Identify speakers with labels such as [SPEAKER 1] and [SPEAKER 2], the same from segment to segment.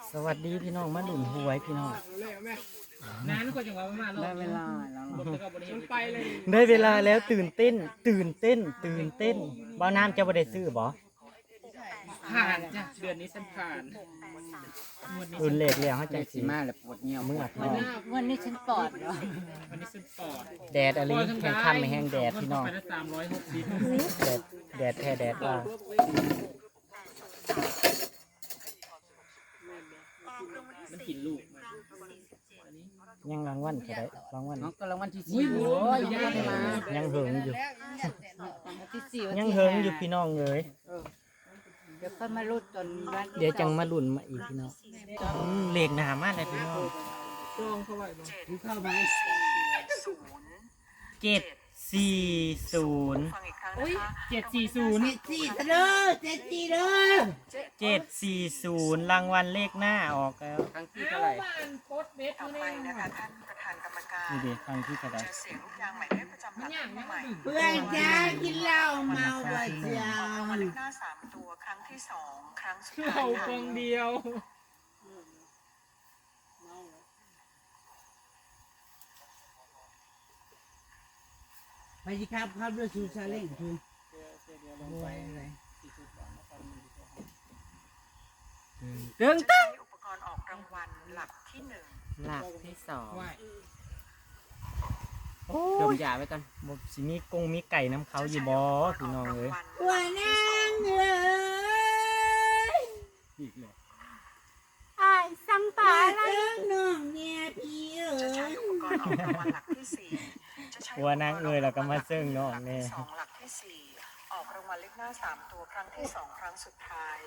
[SPEAKER 1] สวัสดีพี่น้องมาหลุนหวยพี่น้อง
[SPEAKER 2] นานกว่าจังหวะมา
[SPEAKER 1] ได้เวลาแล้ว
[SPEAKER 2] ได้
[SPEAKER 1] เวลาแล้วตื่นเต้นบ่าวน้ำจะบ่ได้ซื้อบ่
[SPEAKER 2] ผ่านจ้ะเดือนนี้ฉันผ่าน
[SPEAKER 1] รุ่นเลขแล้วเฮาจังสิ
[SPEAKER 3] มาแล้วปวดเงี้ยว
[SPEAKER 1] เมื่อท้อง
[SPEAKER 4] วันนี้ฉันปอดเหรอ
[SPEAKER 2] วันนี้ฉันปอด
[SPEAKER 1] แดดอะไรแข็งค่ำไม่แห้งแดดพี่น้อง
[SPEAKER 2] ไปได้360
[SPEAKER 1] แดดแท้แดดว่า
[SPEAKER 2] มันกินลูก
[SPEAKER 1] ยังรางวัลเท่าไหร่รางวัล
[SPEAKER 3] น้องก็รางวัลที่สี่โอ้ยยังไม่มา
[SPEAKER 1] ยังเหิงอยู่
[SPEAKER 4] ที่สี่วัน
[SPEAKER 1] ยัง
[SPEAKER 4] ที่
[SPEAKER 1] เหิงอยู่พี่น้องเอ้ย
[SPEAKER 4] เดี๋ยวค่อยมารุดจนวัน
[SPEAKER 1] เดี๋ยวจังมาลุ้นมาอีกพี่น้องเลขหน้ามาเลยพี่น้อง
[SPEAKER 2] จองเข้าไว้บ่
[SPEAKER 3] เข้ามา
[SPEAKER 1] 740
[SPEAKER 2] อุ้ย740
[SPEAKER 3] สี่เด้อ7-4เด้อ
[SPEAKER 1] 740รางวัลเลขหน้าออกแล้ว
[SPEAKER 3] ครั้งที่เท่าไหร่
[SPEAKER 2] บ้านโคตรเม็ดอยู่นี่นะคะ
[SPEAKER 5] ท่านประธานกรรมการ
[SPEAKER 1] นี่ดิครั้งที่เท่าไหร่
[SPEAKER 5] จะเสียงลูกยางหมายเลขประจำหลักผู้ใหม่
[SPEAKER 3] เพื่อนจ้ากินเหล้าเมาบ่เจีย
[SPEAKER 5] ออกรางวัล
[SPEAKER 3] ว
[SPEAKER 5] เลขหน้า3ตัวครั้งที่2ครั้งสุด
[SPEAKER 2] เรา
[SPEAKER 5] ท้าย
[SPEAKER 2] ค
[SPEAKER 5] ค่ะ
[SPEAKER 2] งเดียว
[SPEAKER 3] ไปสิครับด้วยซูซาเล้งคือดึง
[SPEAKER 5] ใช้อุปกรณ์ออกรางวัลหลักที่1
[SPEAKER 3] หลักที่สอง
[SPEAKER 2] ไหว
[SPEAKER 3] ดมยาไว้ก่อน
[SPEAKER 1] บ่สิมีกงมีไก่น้ำเขาอยู่บ่พี่น้องเอ้ย
[SPEAKER 3] ตัวนางเอ้ย
[SPEAKER 1] อีกเลย
[SPEAKER 4] อ้ายสังปาอะไร
[SPEAKER 3] น้องเนี่ยพี่เอ้
[SPEAKER 5] จะใช้
[SPEAKER 3] ย
[SPEAKER 5] อุปกรณ์ออกรางวัลหลักที่4จะใช้
[SPEAKER 1] หัวนางเอ้ยแล้วก็มาซึ่งน้อง
[SPEAKER 5] หลัก
[SPEAKER 1] แน่
[SPEAKER 5] ที่2หลักที่4ออกรางวัลเลขหน้า3ตัวครั้งที่2ครั้งสุดท้าย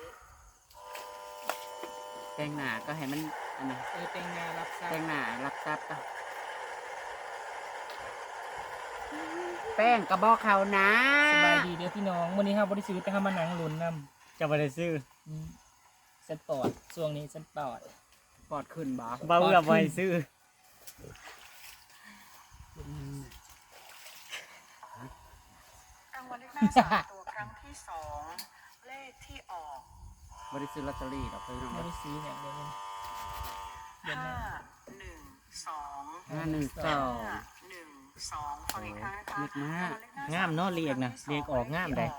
[SPEAKER 3] แต่งหน้าก็ให้มันอันนี้
[SPEAKER 2] เต็งงานรับทรา
[SPEAKER 3] แต่
[SPEAKER 2] บ
[SPEAKER 3] งหน้ารับทรัพย์ก็แป้งกระบอกเขานะ
[SPEAKER 2] สบายดีเด้อพี่น้องวันนี้ครับบ่ได้ซื้อแต่เฮามานั่งลุ้นนำ
[SPEAKER 1] จะบ่ได้ซื้อ
[SPEAKER 2] ฉันปอดช่วงนี้ฉันปอด
[SPEAKER 3] ปอดขึ้นบ่
[SPEAKER 1] บ่เอื้อบ่ให้ซื้อ
[SPEAKER 5] รางวัลเลขหน้า3ตัวครั้งที่2เลขที่ออก
[SPEAKER 3] บริซื้อลอตเตอรี่หรอกพี่น้อง
[SPEAKER 2] บ่ได้ซื้อเนี่ยเดี๋ยวนี้
[SPEAKER 5] 512
[SPEAKER 3] 512
[SPEAKER 5] 512ฟังอีกครั้งนะคะ
[SPEAKER 3] เล็กมาก
[SPEAKER 1] งามเนาะเลขนะเลขออกงามได้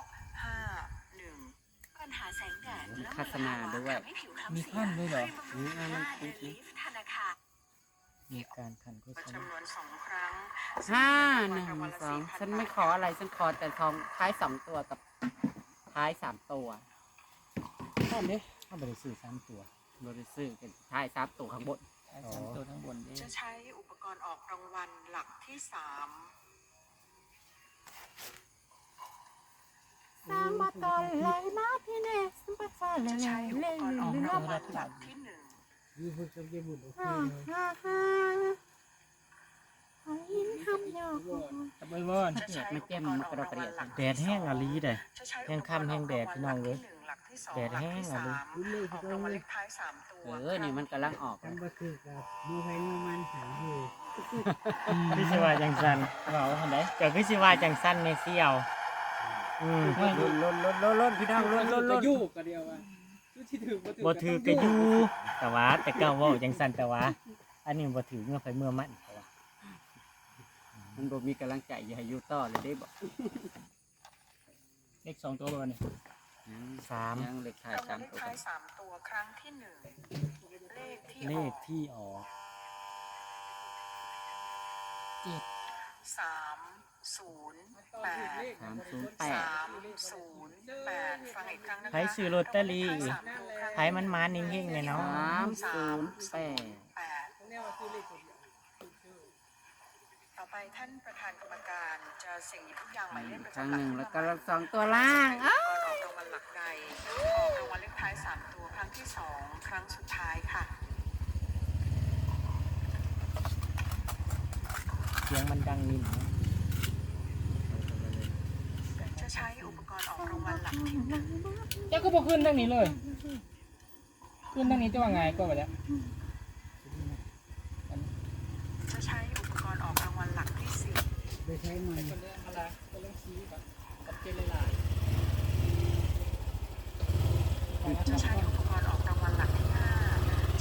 [SPEAKER 5] 51ปัญหาแสงแดด
[SPEAKER 3] โฆษณาด้วย
[SPEAKER 2] มีขั้นด้วยเหรอ
[SPEAKER 3] นี่มันติดนะ
[SPEAKER 5] ธนาคาร
[SPEAKER 1] มีการขันโฆษณา
[SPEAKER 5] จำนวน2ครั้ง
[SPEAKER 3] 512ฉันไม่ขออะไรฉันขอแต่ทองท้าย2ตัวกับท้าย3ตัว
[SPEAKER 1] นั่นเด้เขาบ่ได้ซื้อ3ตัว
[SPEAKER 3] บริซื้อเป็นท้าย3ตัวข้างบน
[SPEAKER 2] ไอ้สามตัวทั้งบนเด้
[SPEAKER 5] จะใช้อุปกรณ์ออกรางวัลหลักที่3
[SPEAKER 4] สามมาตอนไหลมาพี่เนสสัมปทานเลย
[SPEAKER 5] จะใช้อุป
[SPEAKER 4] เล่น
[SPEAKER 5] กรณ์ออก
[SPEAKER 4] เล่น
[SPEAKER 5] รางวัลหลักที่1
[SPEAKER 4] ฮ่าฮ่าฮ่าหอยหินทำยอก
[SPEAKER 2] ตะเบยบอน
[SPEAKER 5] จะใช้อุปกรณ์ออกรางวัลหลัก
[SPEAKER 1] แดดแห้งอะลีได้
[SPEAKER 5] จะใช้
[SPEAKER 1] แห้งค่ำแห้งแดดพี่น้องเอ้ย
[SPEAKER 5] หลักที่1หลักที่2
[SPEAKER 1] แดดแห้งอะ
[SPEAKER 5] ห
[SPEAKER 1] ลู
[SPEAKER 5] ลั
[SPEAKER 1] ก
[SPEAKER 5] กที่3ออกรางวัลเลขท้าย3ตัว
[SPEAKER 3] นี่มันกำลังออก
[SPEAKER 6] มันก็คือกับดูให้มันหาอยู่
[SPEAKER 1] พี่สิว่าจังซั่น
[SPEAKER 2] เบาคนไหน
[SPEAKER 1] เจ้าคือสิว่าจังซั่นแม่เสี่ยว
[SPEAKER 3] ล้นพี่น้องล้น
[SPEAKER 2] ยู่กันเดียวว่าที่ถือ
[SPEAKER 1] บ่ถือก็อยู่แต่ว่าแต่เก่าเว้าจังซั่นแต่ว่า อันนี้บ่ถือเมื่อไผเมื่อมันแต่ว่า
[SPEAKER 3] มันบ่มีกำลังใจอย่าให้อยู่ต่อเลยได้บ่
[SPEAKER 2] เลข2ตัวบนนี่
[SPEAKER 1] 3
[SPEAKER 3] ยังเล็กท้าย
[SPEAKER 5] รางวัลเลข
[SPEAKER 3] 3ตัว
[SPEAKER 5] ท้าย3ตัวครั้งที่1เลขที่
[SPEAKER 1] เล
[SPEAKER 5] ออ
[SPEAKER 1] ข
[SPEAKER 5] ก
[SPEAKER 1] ที่ออก
[SPEAKER 5] 308 308ฟังอีกครั้งนะคะ
[SPEAKER 1] ไผซื้อลอตเตอรี่ไผมันมานิ่งๆเลยเนาะ
[SPEAKER 3] 308
[SPEAKER 5] ต่อไปท่านประธานกรรมการจะเสี่ยงหยิบทุกอย่างหมายเลขประ
[SPEAKER 3] ครั้ง
[SPEAKER 5] จำห
[SPEAKER 3] ห
[SPEAKER 5] ลัก
[SPEAKER 3] นึ่ง
[SPEAKER 5] ขึ้น
[SPEAKER 3] แล้ว
[SPEAKER 5] มา
[SPEAKER 3] ก็
[SPEAKER 5] ใหม่
[SPEAKER 3] 2ตัวล่าง
[SPEAKER 5] ออกรางวัลหลักใดออกรางวัลเลขท้าย3ตัวครั้งที่2ครั้งสุดท้ายค่ะ
[SPEAKER 1] เสียงมันดังนิ่ม
[SPEAKER 5] จะใช้อุปกรณ์ออกรางวัลหลักที่1
[SPEAKER 2] เจ้าก็บอกขึ้นทางนี้เลยขึ้นทางนี้จะว่าไงก็ไปแล้ว
[SPEAKER 5] จะใช้อุปกรณ์ออกรางวัลหลักที่4
[SPEAKER 6] ไปใช้มัน
[SPEAKER 2] คนเรื่องอะไรคนเรื่องชี้กับเจริญลาย
[SPEAKER 5] จะใช้อุปกรณ์ออกรางวัลหลักที่5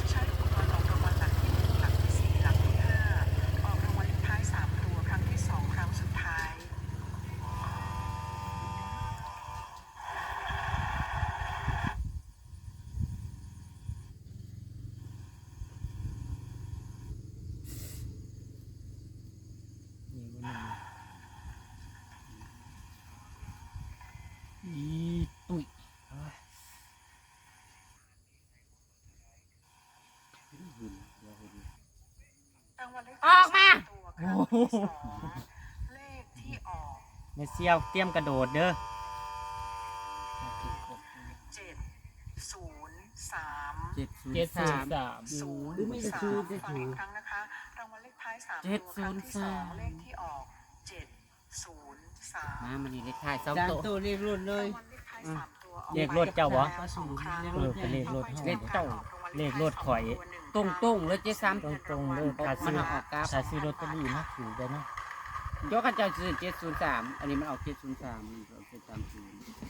[SPEAKER 5] วัลเลข
[SPEAKER 3] ออกมา
[SPEAKER 5] ตัวครั้งที่สองเลขที่ออก
[SPEAKER 1] เมเซียวเตรียมกระโดดเด้อ
[SPEAKER 5] 703
[SPEAKER 3] เจ็ดศูน
[SPEAKER 2] เจ็ด
[SPEAKER 3] ย์
[SPEAKER 2] ศูน
[SPEAKER 3] สาม
[SPEAKER 2] ย์สาม
[SPEAKER 5] 03ฟังอีกครั้งนะคะรางวัลเลขท้าย3ตัวครั้งที่สองเลขที่ออก703
[SPEAKER 3] มามันนี่เลขท้ายสอง
[SPEAKER 6] จาน
[SPEAKER 3] ตัว
[SPEAKER 6] ตัวเรียกรุ่นเลย
[SPEAKER 5] รางวัลเลขท้าย3ตัวออก
[SPEAKER 1] เลขรถเจ้าบ่
[SPEAKER 5] แล้วสองครั้ง
[SPEAKER 1] เป็นเลขรถ
[SPEAKER 3] เลขเจ้า
[SPEAKER 1] เลขรถข่อย
[SPEAKER 3] ตรงตรงๆเลยเจ๊ซ้
[SPEAKER 1] ตรงๆเลยถ้า
[SPEAKER 3] มัน
[SPEAKER 1] ซื้อ
[SPEAKER 3] เอาออกกราฟ
[SPEAKER 1] ถ้าซื้อลอตเตอรี่มาถือได้เนาะ
[SPEAKER 3] ำยกกันเจ้าซื้อ703อันนี้มันเอา703มันเอา730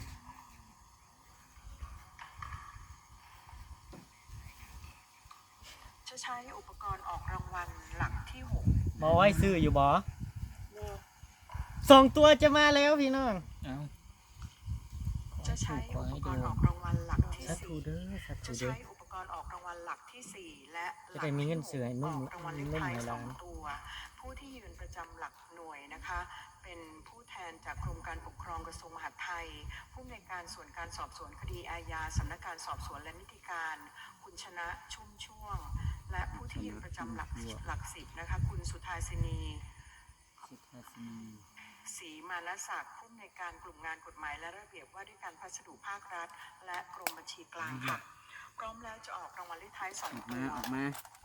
[SPEAKER 5] จะใช้อุปกรณ์ออกรางวัลหลักที่
[SPEAKER 1] บอไว้ซื้ออยู่บอสองตัวจะมาแล้วพี่น้อง
[SPEAKER 2] เอ้า
[SPEAKER 5] 6 จะใช้อุปกรณ์ออกรางวัลหลักที่
[SPEAKER 1] สัตว์เด้อสัต
[SPEAKER 5] 4 จะ
[SPEAKER 1] ว์เด้อ
[SPEAKER 5] ใช้อุปกรณ์ออกรางวัลหลักที่ 4 และห
[SPEAKER 1] จะ
[SPEAKER 5] ลั
[SPEAKER 1] ได้มีเงินซื้อให้นุ่ม
[SPEAKER 5] ออกรางวัลเลข
[SPEAKER 1] นุ่ม
[SPEAKER 5] ท้าย
[SPEAKER 1] ในร้าน
[SPEAKER 5] 2 ตัว ผู้ที่ยืนประจำหลักหน่วยนะคะ เป็นผู้แทนจากกรมการปกครองกระทรวงมหาดไทย ผู้อำนวยการส่วนการสอบสวนคดีอาญาสำนักงานสอบสวนและนิติการ คุณชนะชุ่มช่วง และผู้ที่ยืนประจำหลัก10นะคะ คุณสุธาสินี
[SPEAKER 3] สุทาสินี
[SPEAKER 5] ศรีมานศักดิ์ผู้อำนวยการกลุ่มงานกฎหมายและระเบียบว่าด้วยการพัสดุภาครัฐ และกรมบัญชีกลางค่ะพร้อมแล้วจะออกรางวัลเลขท้าย
[SPEAKER 3] ออก
[SPEAKER 5] 2 ตั
[SPEAKER 3] มาว ออกมา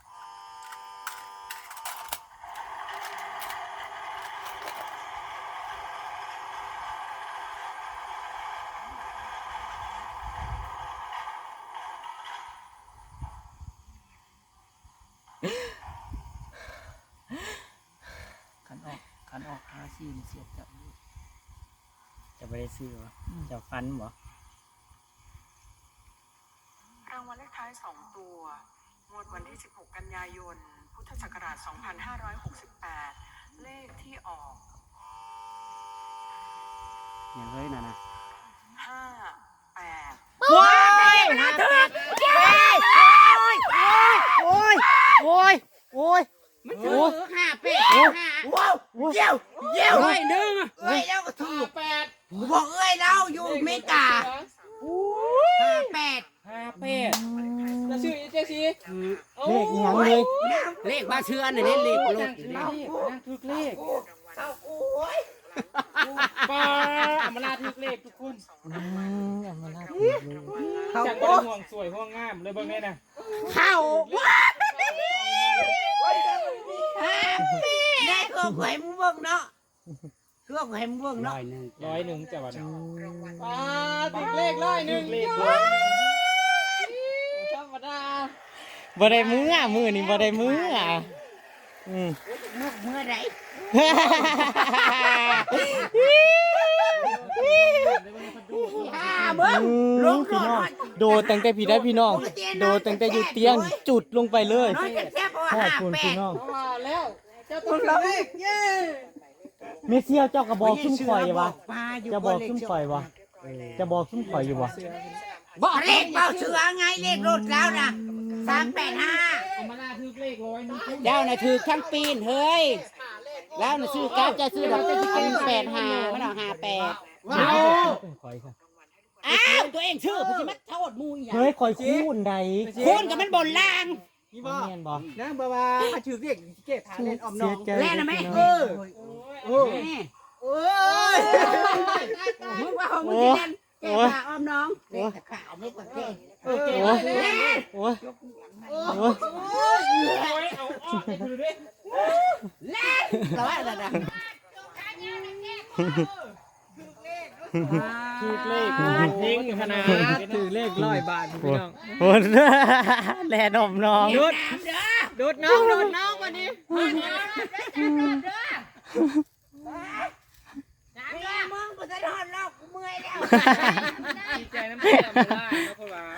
[SPEAKER 2] ขันออกหาซีนเสียบจับอยู่
[SPEAKER 1] จะไปได้ซื้อวะจะฟันบ่
[SPEAKER 5] รางวัลเลขท้าย 2 ตัว งวดวันที่ 16 กันยายน พุทธศักราช 2568 เลขที่ออก
[SPEAKER 3] อย่างเฮ้ยน่ะนะ
[SPEAKER 5] 58
[SPEAKER 1] ว้ายมาเถอะโอ้ยโอ้ยโอ้ย
[SPEAKER 3] มันถือ58
[SPEAKER 6] ว้าวเยี่ยวเยี่ยว
[SPEAKER 3] ร้อยหนึ่ง
[SPEAKER 6] เอ้ยแล้วก็ถูก
[SPEAKER 2] 8
[SPEAKER 6] บอกเอ้ยเราอยู่อเมริกา58
[SPEAKER 2] 58แล้วชื่อเจ๊ซีโอ้
[SPEAKER 1] เลขอีหยังเลย
[SPEAKER 3] เลขบ้าเชื่อน่ะเนี่ยเลขรถ
[SPEAKER 2] นั่งถึกเลข
[SPEAKER 6] เอาโอ้ย
[SPEAKER 2] ป้าอำมาลาถึกเลขทุกคน
[SPEAKER 1] เอามาลาด
[SPEAKER 6] เขา
[SPEAKER 2] จากบ่ได้ห่วงสวยห่วงงามเลยเบิ่งแน่น่ะ
[SPEAKER 6] เข้าได้เครื่องไข่มึงเบิ่งเนาะเครื่องไข่มึงเบิ่ง
[SPEAKER 3] ร้
[SPEAKER 6] เนาะ
[SPEAKER 3] อยหนึ่ง
[SPEAKER 2] 100จะว่าน่ะป้าถึกเลข101เลขธรรมดา
[SPEAKER 1] บ่ได้มือมือนี่บ่ได้มืออืม
[SPEAKER 6] เมื่อไหร่ เบิ่งลง
[SPEAKER 1] พี่
[SPEAKER 6] ร
[SPEAKER 1] น้อง
[SPEAKER 6] ถ
[SPEAKER 1] โดดตั้งแต่พี่ได้พี่น้อง โดดตั้งแต่อยู่เตียงจุดลงไปเลย
[SPEAKER 6] น้อยแซ่บๆเพราะ
[SPEAKER 1] ข
[SPEAKER 6] ว่า
[SPEAKER 1] อบคุณพี่น้อง
[SPEAKER 2] ว่าแล้วเจ้าต้องเลขเย้
[SPEAKER 1] เมเซียวเจ้ากระบอกซุ่มข่อยวะ
[SPEAKER 6] มาอยู่
[SPEAKER 1] จะบอกซุ่มข่อยวะจะบอกซุ่มข่อยอยู่วะ
[SPEAKER 6] บอกเลขเบาเสือไงเลขรถแล้วนะ385
[SPEAKER 2] อำมาลาถึกเลข100
[SPEAKER 3] เจ้าน่ะถือทั้งปีนเฮ้ยแล้วน่ะซื้อก้าวจะซื้อดอกจะกิน85มันเอา58
[SPEAKER 1] เอาเป็นข่อยค่ะ
[SPEAKER 3] อ้าวตัวเองชื่อเพิ่นสิมาโทษหมู่อีหยัง
[SPEAKER 1] เฮ้ยข่อยคูณใด
[SPEAKER 3] คุณกับมันบนล่าง
[SPEAKER 1] นี่บ่แม่นบ่
[SPEAKER 6] นั่งบ่ว่าถือเรียกเก็บฐานเล่นออมน้
[SPEAKER 1] เสี
[SPEAKER 6] อย ง
[SPEAKER 1] ใจ
[SPEAKER 3] แล่นะแม่
[SPEAKER 1] พี่
[SPEAKER 3] เอ
[SPEAKER 1] น้อง
[SPEAKER 3] อ
[SPEAKER 6] โอ้ยโอ้ยมึงว่าของมึงสิเล่นเก็บฐานออมน้องเด็กขาวไม่กว่าเด็ก
[SPEAKER 1] โอ้ยโอ้ยโอ้ย
[SPEAKER 2] โอ้ยเอาออกไปดูดิ
[SPEAKER 3] เราว่าอะไรนะ
[SPEAKER 2] ถูกเลขเฮงขนาด
[SPEAKER 6] ถือเลข100 บาทพี่น้อง
[SPEAKER 1] โอ้ยแลนมน้อง
[SPEAKER 6] ดูดน้องวันนี้มึงบ่ได้ทอนลอกกูเมื่อยแล้ว
[SPEAKER 2] ดีใจน้ำตาอำมาลาเนาะเพราะว่า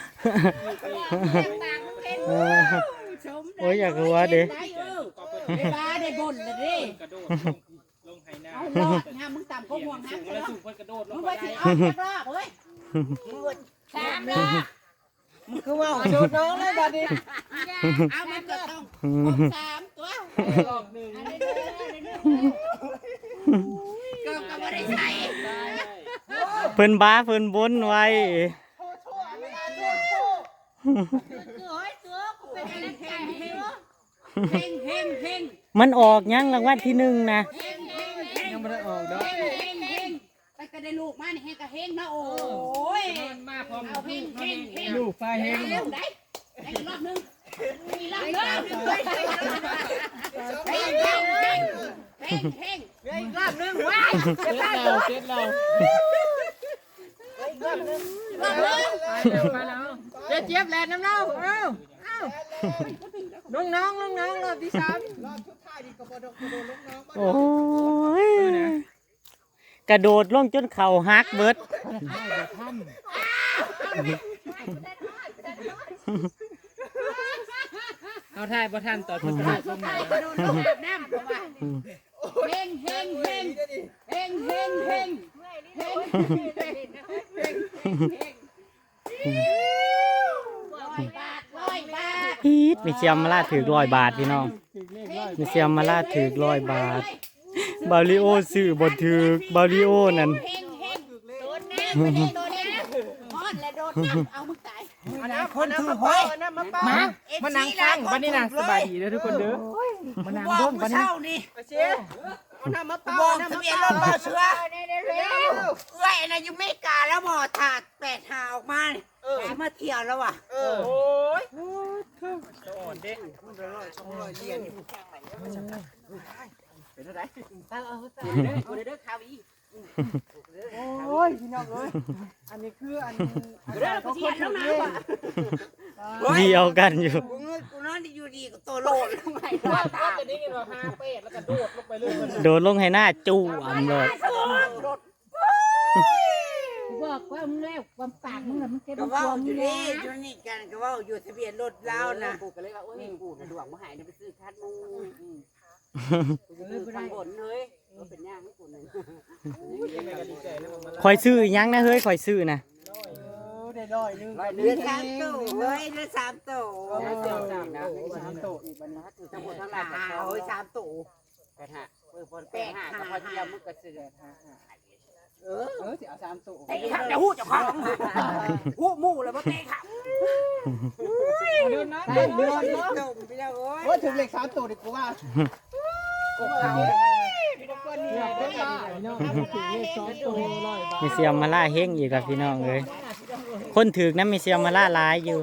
[SPEAKER 1] โอ้ยอยากรู้ว่าดิ
[SPEAKER 3] เวลาได้บ่นเลยดิ
[SPEAKER 2] กระโดดลงไหนา
[SPEAKER 3] เอาลอกนะมึงต่ำก็ห่วง
[SPEAKER 2] สู
[SPEAKER 3] นะ
[SPEAKER 2] งแล้วสูงเพิ่นกระโดดล
[SPEAKER 3] มึ
[SPEAKER 2] ง
[SPEAKER 3] ง
[SPEAKER 2] ไป
[SPEAKER 3] ไปสิ
[SPEAKER 2] ได้
[SPEAKER 3] เอาจักรอบเฮ้ย 3 รอบ
[SPEAKER 6] มึงคือว่าดูดน้องเลยบัดนี้
[SPEAKER 3] เอามันก็ต้อง3ตัว
[SPEAKER 2] รอบหนึ่ง
[SPEAKER 3] ก็บ่ได้ใส่
[SPEAKER 1] เพิ่นบ้าเพิ่นบนไว้
[SPEAKER 3] คือโอ้ยตัวกูเป็นอะไรกันเฮ้ย
[SPEAKER 6] เฮงเฮงเฮง
[SPEAKER 1] มันออกยังรางวัลที่1นะ
[SPEAKER 6] เฮงเฮงเฮง
[SPEAKER 2] ยังไม่ได้ออกดอก
[SPEAKER 6] เฮงเฮงเฮงไปก็ได้ลูกมานี่เฮงก็เฮงนะโอ้ย
[SPEAKER 2] มาพร้อม
[SPEAKER 6] เอาเฮงเฮงเฮง
[SPEAKER 2] ลูกไฟเฮง
[SPEAKER 6] เร็วได้ได้อีกรอบนึงอีกรอบนึงเฮงเฮงเฮงเฮงเฮงอีกรอบนึงว้าย
[SPEAKER 2] เซ็ตเราเซ็ตเรา
[SPEAKER 6] รอบนึง
[SPEAKER 2] ไปแล้วเจ๊เจี๊ยบแลนน้ำเน่าเอ้าน้องรอบที่
[SPEAKER 1] โอ้ยกระโดดลงจนเข่าหักเบิด
[SPEAKER 2] เอาถ่ายบ่ทันต่อทุกท่าลงมา
[SPEAKER 6] ไปดูลูกอาบน้ำเพราะว่าเฮงเฮงเฮงเฮงเฮงเฮงเฮง100 บาท
[SPEAKER 1] พีดมีเชียมมาลาถือ100 บาทพี่น้องมีเชียมมาลาถือ100 บาทบาริโอซื้อบ่ถือบาริโอนั่น
[SPEAKER 6] เฮงเฮงโดนน้ำไม่ได้โดนน้ำฮอดและโดนน้ำเอามึงตาย
[SPEAKER 2] คนถือหอยมานั่งฟังวันนี้นะสบายดีเลยทุกคนเด้อมานั่งร่วมวันนี้
[SPEAKER 6] บอกทะเบียนรถบ่เสือเอ้ยนะอยู่เมกาแล้วบ่ถาด8 หาออกมาสิมาเที่ยวแล้วว่ะ
[SPEAKER 2] โอ้ยพี่น้องเอ้ยอันนี้คืออัน
[SPEAKER 6] เรื่องเขาคนแล้วนะว่ะ
[SPEAKER 1] เดียวกันอยู่
[SPEAKER 6] กูนอนอยู่ดีกับตัวโลดลงไปว่าตา
[SPEAKER 2] จะได้ยินว่า5 เป็ดแล้วก็โดดลงไปเลย
[SPEAKER 1] โดดลงให้หน้าจู่เลย
[SPEAKER 4] บอกว่ามึงแล้วความปากมึงน่ะมันเก็บ
[SPEAKER 6] ก็
[SPEAKER 4] ค
[SPEAKER 6] ว่าว
[SPEAKER 4] าม
[SPEAKER 6] อยู่
[SPEAKER 4] แล้
[SPEAKER 6] นี่อยู่นี่กันก็ว่าอยู่ทะเบียนรถเรานะ
[SPEAKER 3] กูก็เลยว่าโอ้ยกูน่ะดวงมาหายเนี่ยไปซื้อคัดมูกูซื้อข้างบนเฮ้ยมันเป็นย่างให้กูหนึ่ง
[SPEAKER 1] คอยซื้ออีหยังนะเฮ้ยคอยซื้อนะ
[SPEAKER 2] ได้ร้อยนึง
[SPEAKER 6] เดือน3 ตู้เฮ้ยเดือน3 ตู้
[SPEAKER 2] เสียว3นะ3โตอีกวันนี้
[SPEAKER 3] ทั้งหมดทั้งหลาย
[SPEAKER 6] เฮ้ย3 ตู้
[SPEAKER 3] 8 5บน8 5ก็พอเที่ยวมึงก็ซื้อ
[SPEAKER 2] สิเอา3โต
[SPEAKER 6] ไอ้ข้าจะหู้เจ้าของหู้มู่เลยบ่เตะค่ะ
[SPEAKER 2] เดือนนะ
[SPEAKER 6] เดือนจมไปแล้วโอ้ย
[SPEAKER 2] ว่าถึงเลข3โตดีกว่าถึงเลข2โต100 บาท
[SPEAKER 1] มีเสียมมาล่าเฮงอีกกับพี่น้องเลยคนถือนะมีเสียมมาล่าหลายอยู่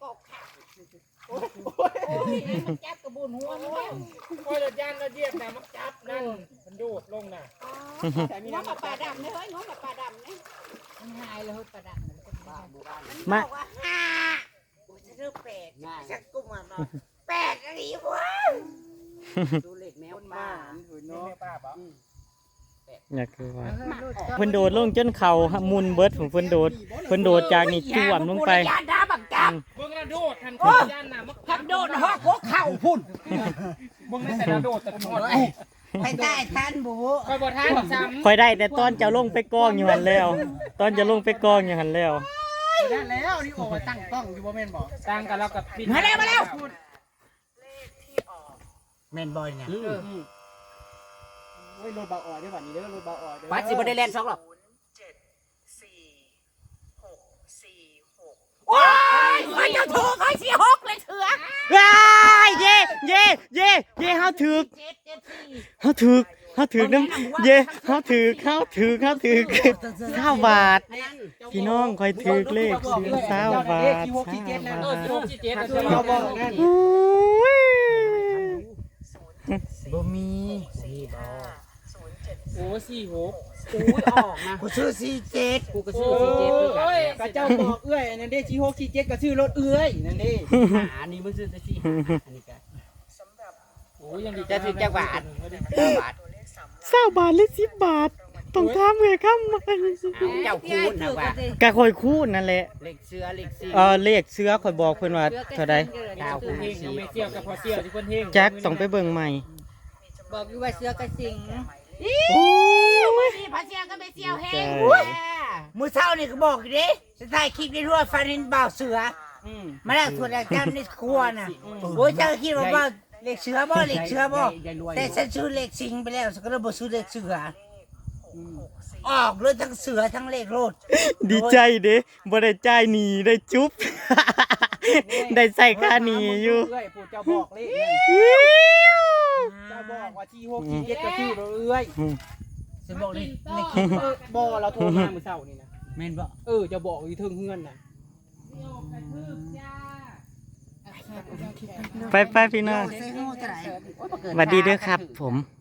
[SPEAKER 6] จับกระบุนหัวมึงแล้ว
[SPEAKER 2] โอ้ยรถยานรถเยียบนะมันจับนั่นมันโดดลงน่ะ
[SPEAKER 6] ง้อปลาดำเนี่ยเฮ้ยง้อปลาดำเนี่ย
[SPEAKER 4] มันหายแล้วประดับ
[SPEAKER 1] มา
[SPEAKER 6] บอกว่า5กูจะเลือก8ชักกุ้งมา8อะไรวะ
[SPEAKER 3] ดูเลขแมว
[SPEAKER 2] คน
[SPEAKER 3] ป้า
[SPEAKER 2] มาถือเนาะป้าปะ
[SPEAKER 1] อยากคือว่าเพิ่นโดดลงจนเข่ามุนเบิดผมเพิ่นโดดจากนี่จ้วมลงไป
[SPEAKER 6] ยานดาบักจับ
[SPEAKER 2] เบิ่งกระโดดทันทียานน่ะมัน
[SPEAKER 6] พักโดนหอกหัวเข่าพุ่น
[SPEAKER 2] เบิ่งแต่กระโดดแต่หมด
[SPEAKER 6] ไปได้ทันบู
[SPEAKER 2] คอยบ่ทันซ้ำ
[SPEAKER 1] คอยได้แต่ตอนจะลงไปกองอยู่หันแล้ว ตอนจะลงไปกองอยู่หันแล้ว
[SPEAKER 2] ได้แล้วนี่โอ้ตั้งกล้องอยู่บ่แม่นบ่ตั้งกันแล้วกับปิด
[SPEAKER 6] มาแล้ว
[SPEAKER 5] เลขที่ออก
[SPEAKER 6] แมนบอยเนี่ย
[SPEAKER 2] โอ้ยรถเบาอ่อยได้บัดนี้เด้อรถเบาอ่อยเด้อ
[SPEAKER 3] ป้าสิบ่ได้เล่น2หรอก
[SPEAKER 6] โอ้ยคอยจะถูกคอยเสียหกเลยเถื่อ
[SPEAKER 1] ว้ายเย่เย่เย่เย่เฮาถือกเฮาถือกน้ำเย่เฮาถือก20 บาทพี่น้องคอยถือกเลขซื้อ20 บาท
[SPEAKER 2] เขาบอกนั่น
[SPEAKER 1] บ่มี
[SPEAKER 2] โอ้46
[SPEAKER 3] อุ้ยออกนะ
[SPEAKER 6] กูซื้อ47
[SPEAKER 3] กูก็ซื้อ47คือกัน
[SPEAKER 2] กระเจ้าบอกเอื้อยนั่นเด้46 47ก็ซื้อรถเอื้อยนั่นเด้
[SPEAKER 3] อันนี้มันซื้อแต่4อันนี้ก็
[SPEAKER 2] โอ้ยังดี
[SPEAKER 3] จะถึงจักบาท9บาท
[SPEAKER 1] 20 บาทหรือ10 บาทต้องถามเอ้ยคำใหม่
[SPEAKER 3] เจ้าคูณนะว่า
[SPEAKER 1] ก็คอยคูณนั่นแหละ
[SPEAKER 3] เลขเสือเลข4
[SPEAKER 1] เลขเสือคอยบอกเพิ่นว่าเท่าใด
[SPEAKER 2] เฮงเอาไม่เที่ยวกับพอเที่ยวที่เพิ่นเฮง
[SPEAKER 1] แจ็คต้องไปเบิ่งใหม่
[SPEAKER 4] บอกอยู่ว่าเสือกระสิง
[SPEAKER 1] โอ้ย
[SPEAKER 6] นี่พระเสียก็ไม่เสียวแห้
[SPEAKER 1] ใช่
[SPEAKER 6] งมือเช้านี่ก็บอกอยู่ดิจะถ่ายคลิปได้ทั่วฟันเห็นบ่าวเสือมาแล้วส่วนอาจารย์ในครัวน่ะโอ้ยเจ้าคิดว่าบ่เล็กเสือบ่เล็กเสือบ่แต่ฉันซื้อเล็กสิงไปแล้วฉันก็เลยบ่ซื้อเล็กเสือออกเลยทั้งเสือทั้งเล็กโลด
[SPEAKER 1] ดีใจเด้บ่ได้จ่ายหนี้ได้จุ๊บได้ใส่ค่าหนีอยู่
[SPEAKER 2] เอ้ยปู่เจ้าบอกเลขนั่น
[SPEAKER 1] อิ๊ว
[SPEAKER 2] เจ้าบอกว่าที่6ที่7ก็ชื่อเราเอ้ย
[SPEAKER 6] ฉันบอกเลยในคลิป
[SPEAKER 2] บ่เราโทรมามื้อเช้านี่นะ
[SPEAKER 6] แม่นบ่
[SPEAKER 2] จะบอกอยู่เทิงเฮือนน่ะ
[SPEAKER 1] ไปพี่น้อง
[SPEAKER 6] ใส่หูเท่าไหร่
[SPEAKER 1] สวัสดีด้วยครับผม